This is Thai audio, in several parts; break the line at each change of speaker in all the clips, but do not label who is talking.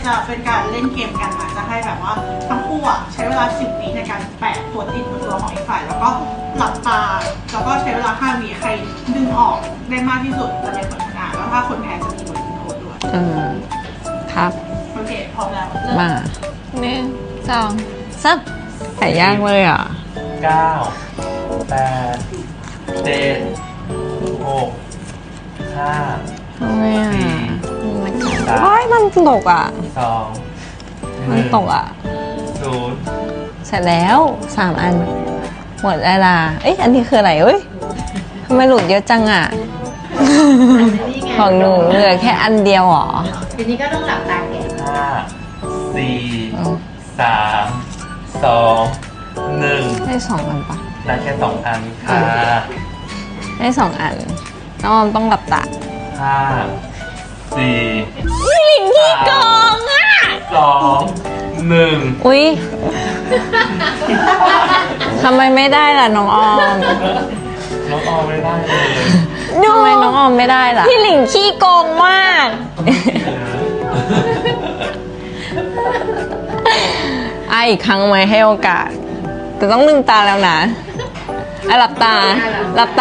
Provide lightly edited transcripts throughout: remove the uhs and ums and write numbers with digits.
จะเป็นการเล่นเกมกันนะจะให้แบบว่าทั้งคู่อ่ะใช้เวลา10 วิในการแปะตัวติดบนตัวของอีกฝ่ายแล้วก็หลับตาแล้วก็ใช้เวลา5 วิใครดึงออกได้มากที่สุดจะเป็นคนชนะแล้วถ้าคนแพ้จะมีบทลงโทษด้วย
ครับ
โอเคพร้อมแล้วเริ่ม
มา1 2 3ไก่ย่างเลยอ่ะ
9 8 7 6 5
ทำไมอ่ะว้ายมันตกอ่ะ
2
มันตกอ่ะ
0
เสร็จแล้ว3 อันหมดเวลาเอ้ยอันนี้คืออะไรเอ้ยทำไมหลุดเยอะจังอ่ะของหนูเหลือแค่อันเดียวหรอ
ทีนี้ก็ต้องหลับตาแกะ
5 4 3 2 1
ได้2 อันปะ
ได้แค่2 อันค่ะ
ได้2 อันน้องออมต้องหลับตา
5 4
หลิงที่กองอ่ะ
2 1
อุ๊ยทำไมไม่ได้ล่ะน้องออม
น้องออมไม่ได้เลย
ทำไมน้องออมไม่ได้ล่ะพี่หลิงขี้โกงมากอีกครั้งไหมให้โอกาสแต่ต้องลืมตาแล้วนะหลับตา1 2 3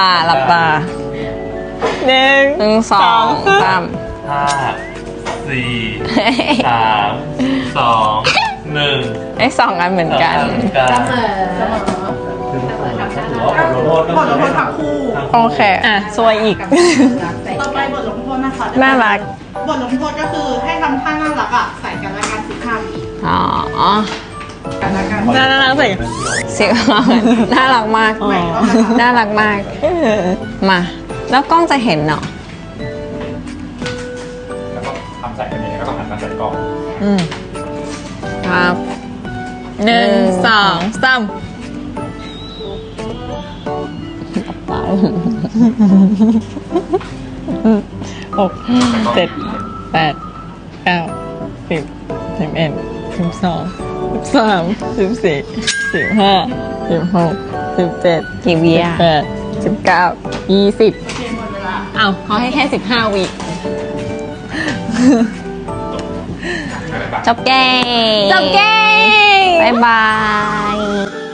5 4 3 2 1
ได้2 อันเหมือนกัน
เสมอ
บทลงโทษทั้งคู่
โอเคซวยอีก
ต่อไปบทลงโทษนะคะ
น่ารัก
บทลงโทษก็คือให้ทำท่าน่ารักอ่ะใส่กันและกัน15 วิกันและกัน
น่ารักใส่น่ารักมากน่ารักมากมาแล้วกล้องจะเห็นเนาะ
แล้วก็ทำใส่กันเองแล้วก็หันมาใส่กล้อง
ครับ1 2 36 7 8 9 10 11 12 13 14 15 16 17กี่วิอ่ะ18 19 20อ้าวเขาให้แค่15 วิจบเกมบ๊ายบาย